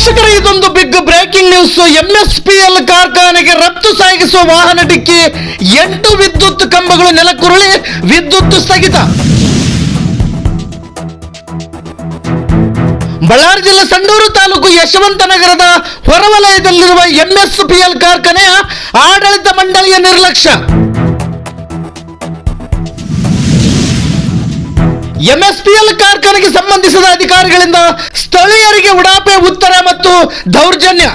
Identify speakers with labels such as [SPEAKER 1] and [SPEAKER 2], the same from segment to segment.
[SPEAKER 1] ವೀಕ್ಷಕರೇ, ಇದೊಂದು big breaking news. MSPL ಕಾರ್ಖಾನೆಗೆ ರಫ್ತು ಸಾಗಿಸುವ ವಾಹನ ಡಿಕ್ಕಿ, 8 ವಿದ್ಯುತ್ ಕಂಬಗಳು ನೆಲಕ್ಕುರುಳಿ, ವಿದ್ಯುತ್ ಸ್ಥಗಿತ. ಬಳ್ಳಾರಿ ಜಿಲ್ಲೆ ಸಂಡೂರು ತಾಲೂಕು ಯಶವಂತನಗರದ ಹೊರವಲಯದಲ್ಲಿರುವ ಎಂಎಸ್ಪಿಎಲ್ ಕಾರ್ಖಾನೆಯ ಆಡಳಿತ ಮಂಡಳಿಯ ನಿರ್ಲಕ್ಷ್ಯ. ಎಂಎಸ್ಪಿಎಲ್ ಕಾರ್ಖಾನೆಗೆ ಸಂಬಂಧಿಸಿದ ಅಧಿಕಾರಿಗಳಿಂದ ಸ್ಥಳೀಯರಿಗೆ ಉಡಾಪೆ ಉತ್ತರ ಮತ್ತು ದೌರ್ಜನ್ಯ.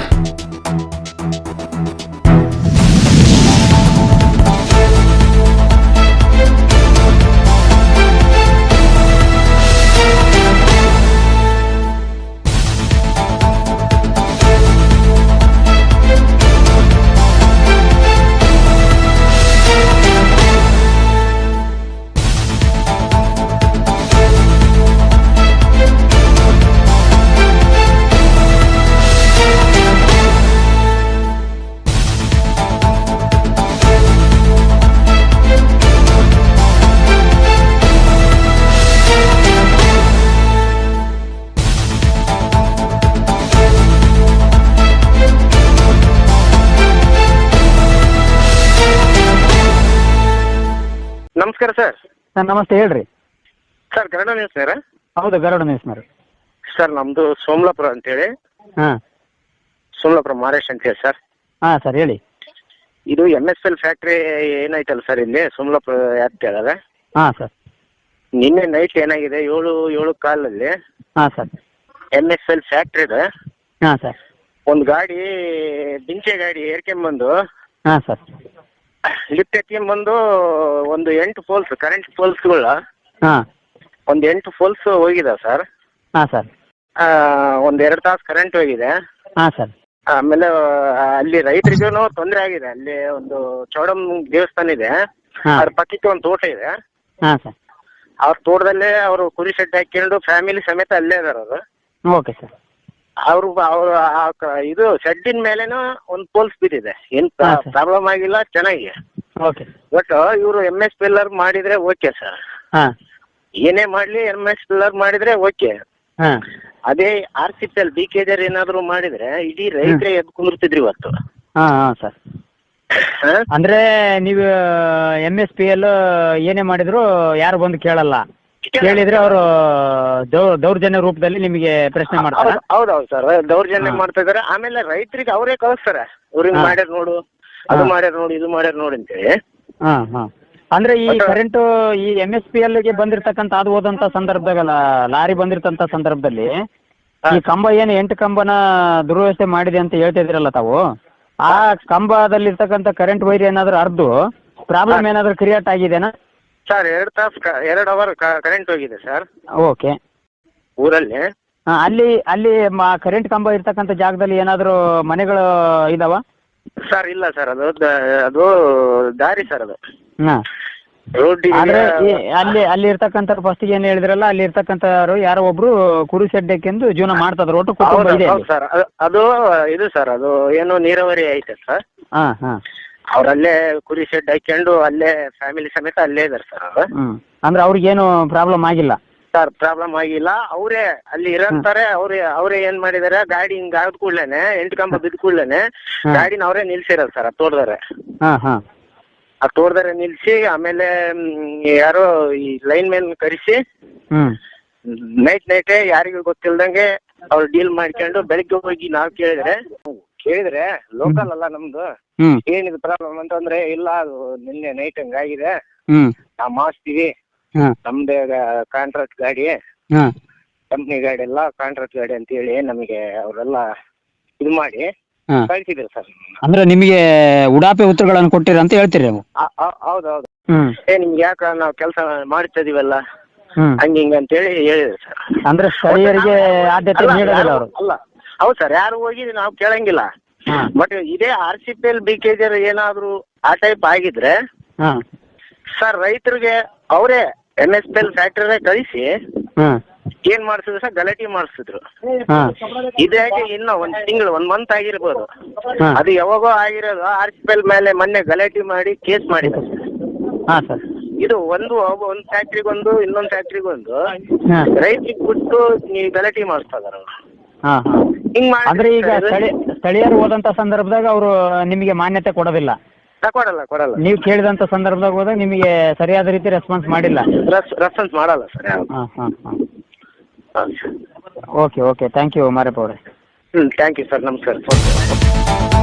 [SPEAKER 2] ನಮಸ್ಕಾರ ಸರ್.
[SPEAKER 3] ಸರ್ ನಮಸ್ತೆ, ಹೇಳ್ರಿ
[SPEAKER 2] ಸರ್ ಗರುಡ ನ್ಯೂಸ್ ಸರ್.
[SPEAKER 3] ಹೌದು, ಗರುಡ ನ್ಯೂಸ್ನವ್ರು.
[SPEAKER 2] ಸರ್ ನಮ್ದು ಸೋಮಲಾಪುರ ಅಂತೇಳಿ,
[SPEAKER 3] ಹಾಂ
[SPEAKER 2] ಸೋಮಲಾಪುರ ಮಹಾರಾಷ್ಟ್ರ ಅಂತೇಳಿ ಸರ್.
[SPEAKER 3] ಹಾಂ ಸರ್, ಹೇಳಿ.
[SPEAKER 2] ಇದು MSPL ಫ್ಯಾಕ್ಟ್ರಿ ಏನಾಯ್ತಲ್ಲ ಸರ್ ಇಲ್ಲಿ ಸೋಮಲಾಪುರ ಯಾತ್ ಹೇಳದ.
[SPEAKER 3] ಹಾಂ ಸರ್.
[SPEAKER 2] ನಿನ್ನೆ ನೈಟ್ ಏನಾಗಿದೆ, 7 ಕಾಲಲ್ಲಿ
[SPEAKER 3] ಹಾಂ ಸರ್.
[SPEAKER 2] MSPL ಫ್ಯಾಕ್ಟ್ರಿದ
[SPEAKER 3] ಹಾಂ ಸರ್.
[SPEAKER 2] ಒಂದು ಗಾಡಿ ಬಿಂಚೆ ಗಾಡಿ ಏರ್ಕೊಂಬಂದು
[SPEAKER 3] ಹಾಂ ಸರ್.
[SPEAKER 2] ಲಿಫ್ಟ್ ಎತ್ಕೊಂಬಂದು ಒಂದು 8 ಪೋಲ್ಸ್ ಕರೆಂಟ್ ಪೋಲ್ಸ್ಗಳ
[SPEAKER 3] ಹಾಂ
[SPEAKER 2] ಒಂದು 8 ಪೋಲ್ಸ್ ಹೋಗಿದೆ ಸರ್.
[SPEAKER 3] ಹಾಂ ಸರ್.
[SPEAKER 2] ಒಂದು 2 ತಾಸು ಕರೆಂಟ್ ಹೋಗಿದೆ.
[SPEAKER 3] ಹಾಂ ಸರ್.
[SPEAKER 2] ಆಮೇಲೆ ಅಲ್ಲಿ ರೈತರಿಗೂ ತೊಂದರೆ ಆಗಿದೆ. ಅಲ್ಲಿ ಒಂದು ಚೌಡಮ್ ದೇವಸ್ಥಾನ ಇದೆ,
[SPEAKER 3] ಹಾಂ.
[SPEAKER 2] ಅದ್ರ ಪಕ್ಕಕ್ಕೆ ಒಂದು ತೋಟ ಇದೆ.
[SPEAKER 3] ಹಾಂ ಸರ್.
[SPEAKER 2] ಅವ್ರ ತೋಟದಲ್ಲೇ ಅವರು ಕುರಿ ಶೆಡ್ ಹಾಕೊಂಡು ಫ್ಯಾಮಿಲಿ ಸಮೇತ ಅಲ್ಲೇ ಇದಾರೆ ಅವರು.
[SPEAKER 3] Okay sir.
[SPEAKER 2] ಅವರು ಇದು ಶೆಡ್ಡಿನ ಮೇಲೇನು ಒಂದು ಪೋಲ್ಸ್ ಬಿದ್ದಿದೆ. ಏನ್
[SPEAKER 3] ಹಾಂ ಸರ್.
[SPEAKER 2] ಪ್ರಾಬ್ಲಮ್ ಆಗಿಲ್ಲ, ಚೆನ್ನಾಗಿ.
[SPEAKER 3] ಓಕೆ.
[SPEAKER 2] ಬಟ್ ಇವರು MSPL ಮಾಡಿದ್ರೆ ಓಕೆ ಸರ್.
[SPEAKER 3] ಹಾಂ
[SPEAKER 2] ಏನೇ ಮಾಡ್ಲಿ MSPL ಮಾಡಿದ್ರೆ ಓಕೆ.
[SPEAKER 3] ಹಾಂ
[SPEAKER 2] ಅದೇ RCPL BKJ ಏನಾದ್ರು ಮಾಡಿದ್ರೆ ಇಡೀ ರೈತರೇ ಎದ್ದು ಕುಂದಿರ್ತಿದ್ರಿ ಇವತ್ತು.
[SPEAKER 3] ಹಾಂ ಹಾಂ ಸರ್.
[SPEAKER 2] ಹಾ?
[SPEAKER 3] ಅಂದರೆ ನೀವು MSPL ಏನೇ ಮಾಡಿದ್ರು ಯಾರು ಬಂದು ಕೇಳಲ್ಲ, ಕೇಳಿದ್ರೆ ಅವರು ದೌರ್ಜನ್ಯ ರೂಪದಲ್ಲಿ ನಿಮಗೆ ಪ್ರಶ್ನೆ ಮಾಡ್ತಾರೆ.
[SPEAKER 2] ಹೌದೌದು ಸರ್, ದೌರ್ಜನ್ಯ
[SPEAKER 3] ಹಾ.
[SPEAKER 2] ಮಾಡ್ತಾ ಇದಾರೆ. ಆಮೇಲೆ ರೈತರಿಗೆ ಅವರೇ ಕಳಿಸ್ತಾರೆ, ಇವ್ರಿಗೆ
[SPEAKER 3] ಹಾ.
[SPEAKER 2] ಮಾಡ್ಯಾರ ನೋಡು, ಅದು
[SPEAKER 3] ಹಾ.
[SPEAKER 2] ಮಾಡ್ಯಾರ ನೋಡು, ಇದು ಮಾಡ್ಯಾರ ನೋಡಿ ಅಂತೇಳಿ.
[SPEAKER 3] ಹಾಂ ಹಾಂ. ಅಂದರೆ ಈ
[SPEAKER 2] ಮತ್ತೆ-
[SPEAKER 3] ಕರೆಂಟು ಈ MSPLಗೆ ಬಂದಿರತಕ್ಕಂಥ ಅದು ಹೋದಂಥ ಸಂದರ್ಭದಾಗಲ್ಲ, ಲಾರಿ ಬಂದಿರ್ತಂಥ ಸಂದರ್ಭದಲ್ಲಿ ಈ ಕಂಬ ಏನು 8 ಕಂಬನ ದುರ್ವ್ಯವಸ್ಥೆ ಮಾಡಿದೆ ಅಂತ ಹೇಳ್ತಾ ಇದ್ದೀರಲ್ಲ ತಾವು, ಆ ಕಂಬದಲ್ಲಿರ್ತಕ್ಕಂಥ ಕರೆಂಟ್ ವೈರ್ ಏನಾದರೂ ಹರಿದು ಪ್ರಾಬ್ಲಮ್ ಏನಾದರೂ ಕ್ರಿಯೇಟ್ ಆಗಿದೆನಾ
[SPEAKER 2] ಸರ್? 2 ತಾಸು 2 ಅವರ್ ಕರೆಂಟ್ ಹೋಗಿದೆ ಸರ್
[SPEAKER 3] ಓಕೆ.
[SPEAKER 2] ಊರಲ್ಲಿ.
[SPEAKER 3] ಹಾಂ, ಅಲ್ಲಿ ಕರೆಂಟ್ ಕಂಬ ಇರ್ತಕ್ಕಂಥ ಜಾಗದಲ್ಲಿ ಏನಾದರೂ ಮನೆಗಳು ಇದಾವ?
[SPEAKER 2] ಸರ್ ಇಲ್ಲ ಸರ್, ಅದು ದಾರಿ ಸರ್, ಅದು
[SPEAKER 3] ಹಾಂ.
[SPEAKER 2] ರೋಡ್.
[SPEAKER 3] ಆದ್ರೆ ಅಲ್ಲಿ ಇರ್ತಕ್ಕಂಥವ್ರು ಫಸ್ಟಿಗೆ ಏನು ಹೇಳಿದ್ರಲ್ಲ, ಅಲ್ಲಿ ಇರ್ತಕ್ಕಂಥವ್ರು ಯಾರೋ ಒಬ್ರು ಕುರಿ ಶೆಡ್ ಹಾಕ್ಯಂದು ಜೀವನ ಮಾಡ್ತಿದ್ರು, ಒಟ್ಟು ಕುಟುಂಬ ಇದೆ
[SPEAKER 2] ಹೌದು ಸರ್. ಅದು ಇದು ಸರ್, ಅದು ಏನು ನೀರಾವರಿ ಐತೆ ಸರ್.
[SPEAKER 3] ಹಾಂ ಹಾಂ.
[SPEAKER 2] ಅವ್ರಲ್ಲೇ ಕುರಿ ಶೆಡ್ ಹಾಕೊಂಡು ಅಲ್ಲೇ ಫ್ಯಾಮಿಲಿ ಸಮೇತ ಅಲ್ಲೇ ಇದಾರೆ ಸರ್ ಅವರು.
[SPEAKER 3] ಹ್ಞೂ. ಅಂದ್ರೆ ಅವ್ರಿಗೇನು ಪ್ರಾಬ್ಲಮ್ ಆಗಿಲ್ಲ
[SPEAKER 2] ಸರ್? ಪ್ರಾಬ್ಲಮ್ ಆಗಿಲ್ಲ. ಅವರೇ ಅಲ್ಲಿ ಇರಂತಾರೆ. ಅವ್ರೇ ಏನ್ ಮಾಡಿದಾರೆ, ಗಾಡಿ ಹಿಂಗ್ ಆದ ಕೂಡ್ಲೇನೆ 8 ಕಂಬ ಬಿದ್ದ ಕೂಡ್ಲೇನೆ ಗಾಡಿನ ಅವರೇ ನಿಲ್ಸಿರೋದು ಸರ್. ಆ ತೋಟದಾರೆ
[SPEAKER 3] ಹಾಂ ಹಾಂ.
[SPEAKER 2] ಆ ತೋಟದಾರೆ ನಿಲ್ಸಿ, ಆಮೇಲೆ ಯಾರೋ ಈ ಲೈನ್ ಮ್ಯಾನ್ ಕರೆಸಿ
[SPEAKER 3] ಹ್ಞೂ.
[SPEAKER 2] ನೈಟೇ ಯಾರಿಗೂ ಗೊತ್ತಿಲ್ದಂಗೆ ಅವ್ರು ಡೀಲ್ ಮಾಡ್ಕೊಂಡು ಬೆಳಿಗ್ಗೆ ಹೋಗಿ ನಾವು ಕೇಳಿದ್ರೆ ಲೋಕಲ್ ಅಲ್ಲ ನಮ್ದು,
[SPEAKER 3] ಹ್ಞೂ.
[SPEAKER 2] ಏನಿದು ಪ್ರಾಬ್ಲಮ್ ಅಂತಂದ್ರೆ, ಇಲ್ಲ ಅದು ನಿನ್ನೆ ನೈಟ್ ಹಂಗಾಗಿದೆ,
[SPEAKER 3] ಹ್ಞೂ.
[SPEAKER 2] ನಾವು ಮಾಡಿಸ್ತೀವಿ,
[SPEAKER 3] ಹಾಂ
[SPEAKER 2] ನಮ್ದೇ ಕಾಂಟ್ರಾಕ್ಟ್ ಗಾಡಿ,
[SPEAKER 3] ಹಾಂ.
[SPEAKER 2] ಕಂಪ್ನಿ ಗಾಡಿ ಎಲ್ಲ ಕಾಂಟ್ರಾಕ್ಟ್ ಗಾಡಿ ಅಂತ ಹೇಳಿ ನಮಗೆ ಅವರೆಲ್ಲ ಇದು ಮಾಡಿ
[SPEAKER 3] ಹಾಂ.
[SPEAKER 2] ಕಳಿಸಿದ್ರು ಸರ್.
[SPEAKER 3] ಅಂದ್ರೆ ನಿಮಗೆ ಉಡಾಪೆ ಉತ್ತರಗಳನ್ನು ಕೊಟ್ಟಿರ ಅಂತ ಹೇಳ್ತೀರಿ ನೀವು?
[SPEAKER 2] ಹೌದೌದು.
[SPEAKER 3] ಹ್ಮ್.
[SPEAKER 2] ನಿಮ್ಗೆ ಯಾಕ ನಾವು ಕೆಲಸ ಮಾಡ್ತಾ ಇದೀವಲ್ಲ
[SPEAKER 3] ಹ್ಮ್.
[SPEAKER 2] ಹಂಗ ಅಂತೇಳಿ ಹೇಳಿದ್ರು ಸರ್.
[SPEAKER 3] ಅಂದ್ರೆ ಸ್ಥಳೀಯರಿಗೆ ಆದ್ಯತೆ ನೀಡೋದಿಲ್ಲ ಅವರು?
[SPEAKER 2] ಅಲ್ಲ, ಹೌದು ಸರ್, ಯಾರು ಹೋಗಿ ನಾವು ಕೇಳಂಗಿಲ್ಲ.
[SPEAKER 3] ಹಾಂ.
[SPEAKER 2] ಬಟ್ ಇದೇ RCPL BKJ ಏನಾದ್ರು ಆ ಟೈಪ್ ಆಗಿದ್ರೆ
[SPEAKER 3] ಹಾಂ.
[SPEAKER 2] ಸರ್ ರೈತರಿಗೆ ಅವರೇ MSPL ಫ್ಯಾಕ್ಟರಿ ಕಳಿಸಿ
[SPEAKER 3] ಹಾಂ.
[SPEAKER 2] ಏನ್ ಮಾಡಿಸಿದ್ರು ಸರ್, ಗಲಾಟೆ ಮಾಡಿಸಿದ್ರು.
[SPEAKER 3] ಹಾಂ.
[SPEAKER 2] ಇದಾಗಿ ಇನ್ನೂ 1 ತಿಂಗಳು 1 ಮಂತ್ ಆಗಿರ್ಬೋದು.
[SPEAKER 3] ಹಾಂ.
[SPEAKER 2] ಅದು ಯಾವಾಗೋ ಆಗಿರೋದು. RCPL ಮೇಲೆ ಮೊನ್ನೆ ಗಲಾಟೆ ಮಾಡಿ ಕೇಸ್ ಮಾಡಿದ್ರು.
[SPEAKER 3] ಹಾಂ ಸರ್.
[SPEAKER 2] ಇದು ಒಂದು ಫ್ಯಾಕ್ಟ್ರಿಗೊಂದು ಇನ್ನೊಂದು ಫ್ಯಾಕ್ಟ್ರಿಗೊಂದು
[SPEAKER 3] ಹಾಂ.
[SPEAKER 2] ರೈತರಿಗೆ ಬಿಟ್ಟು ನೀವು ಗಲಾಟೆ ಮಾಡಿಸ್ತಾ ಇದಾರೆ ಅವರು.
[SPEAKER 3] ಹಾಂ ಹಾಂ.
[SPEAKER 2] ಹಿಂಗ್
[SPEAKER 3] ಅಂದ್ರೆ ಈಗ
[SPEAKER 2] ಮಾಡಿ
[SPEAKER 3] ಸ್ಥಳೀಯರು ಹೋದಂತ ಸಂದರ್ಭದಾಗ ಅವರು ನಿಮಗೆ ಮಾನ್ಯತೆ ಕೊಡೋದಿಲ್ಲ.
[SPEAKER 2] ಕೊಡಲ್ಲ
[SPEAKER 3] ನೀವು ಕೇಳಿದಂತ ಸಂದರ್ಭದಾಗ ಹೋದಾಗ ನಿಮಗೆ ಸರಿಯಾದ ರೀತಿ ರೆಸ್ಪಾನ್ಸ್ ಮಾಡಿಲ್ಲ.
[SPEAKER 2] ರೆಸ್ಪಾನ್ಸ್ ಮಾಡಲ್ಲ ಸರ್ ಯಾವ್ದು.
[SPEAKER 3] ಓಕೆ ಥ್ಯಾಂಕ್ ಯು ಮಾರಪ್ಪ ಅವರೇ.
[SPEAKER 2] ಥ್ಯಾಂಕ್ ಯು ಸರ್, ನಮಸ್ಕಾರ.